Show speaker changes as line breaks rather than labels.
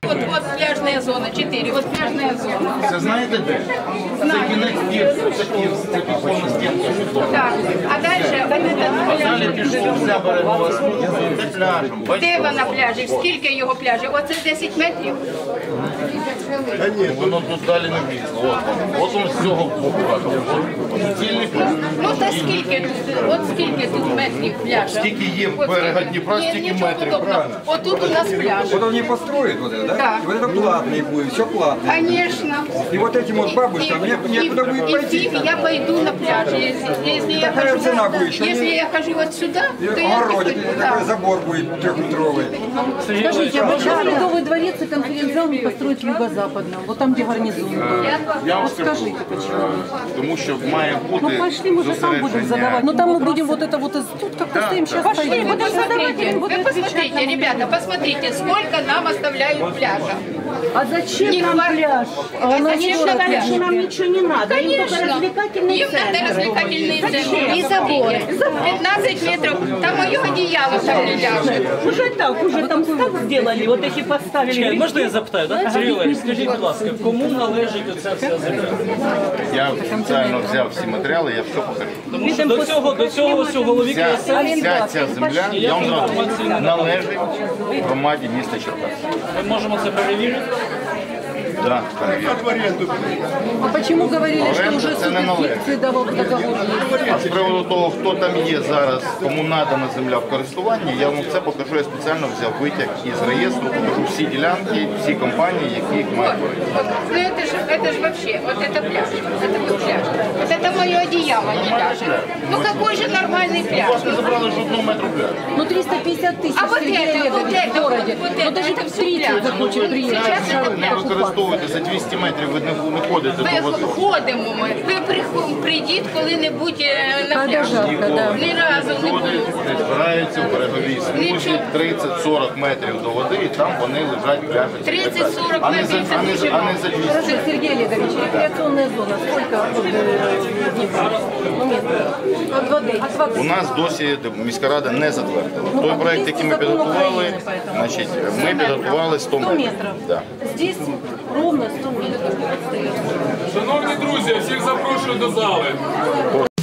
Вот пляжная зона, 4, вот пляжная зона.
Це знаєте де? Це кінець це підходна стінка.
Так, а дальше вот
А далі
это
пішов вся берегова смуга, де пляжем.
де вона пляжі? Скільки його пляжів? Оце 10 метрів?
Воно тут далі не влізло. От он з цього боку. Суцільний пляж.
Ну та скільки тут? От скільки тут метрів пляжа?
Скільки є берега Дніпра,
Ні,
стільки
нічого
метрів,
подобного.
правильно?
Отут у нас пляж.
Вот они построят вот это, да?
Да.
И вот это платный будет, все платное.
Конечно.
И вот этим вот бабушкам некуда будет пойти.
И я пойду на пляж. Если я
Такая
хожу,
цена будет, что
если
не-
я хожу вот сюда, то я
Огородик,
да.
такой забор будет трехметровый.
Скажите, а почему Ледовый дворец и конференц-зал не построить в Юго-Западном? Вот там, где гарнизон был.
Я вам
Вот
скажу,
скажите, почему?
тому що має
Ну
бути
пошли, мы же там будем задавать. Ну там мы будем вот это вот тут как-то стоим сейчас. Пошли,
Вы
будем задавать,
посмотрите,
им
вы
будут
посмотрите,
отвечать.
ребята, посмотрите, сколько нам оставляют пляжа.
А зачем
Не
нам
хват-
пляж?
А
у нас
зачем
город
нам пляж?
есть.
Нам ничего не надо, им только
Конечно,
развлекательный
им надо
центр.
развлекательные центры и заборы. 15 метров, там мое одеяло там не ляжет.
Уже так, уже там став сделали, вот эти поставили.
Чекай, можна я запитаю, так? Сергій Валерійович, скажіть, будь ласка, кому належить оця вся земля?
Я спеціально взяв всі матеріали, я все покажу.
Тому що до цього ось у голові
Вся ця земля, я вам зразу, належить громаді міста Черкаси.
ми можемо це перевірити.
Да, перевірю.
А почему говорили, что
Оренда
уже
це не належить.
суперфикции договор есть?
А з приводу того, хто там є зараз, кому надана земля в користуванні, я вам це покажу. Я спеціально взяв витяг із реєстру, покажу всі ділянки, всі компанії, які їх мають.
Вот, ну это ж вообще, вот это пляж, это вот пляж. Вот это мое одеяло не ляжет. Ну какой же нормальный
У
пляж?
вас не забрали жодного метру пляжу.
Ну 350 тысяч
А вот
Сергей
это, вот
Олегович
это,
в городе.
вот
Ну
это,
даже
это
в
все
30
пляж.
захочет приехать.
Сейчас это
Не
пляж.
використовуєте за 200 метрів, ви не ходите до води.
Ходимо ми. Ви прийдіть коли-небудь на
Когда
пляж.
жарко, да.
Ні разу не
Люди
було.
збираються в береговій смузі 30-40 метрів до води, і там вони лежать пляжі.
30-40
А не за-
метрів це
а не за-
дуже
а не за 200.
Скажи, Сергей Олегович, рекреационная зона, сколько от Днепра? Ну, метров. От воды, от воды.
У нас досі міська рада не затвердила. Той проект, який ми підготували, значить, ми підготували 100
100
метрів.
метров.
Да.
Здесь ровно 100 метров.
Шановні друзі, всіх запрошую до зали.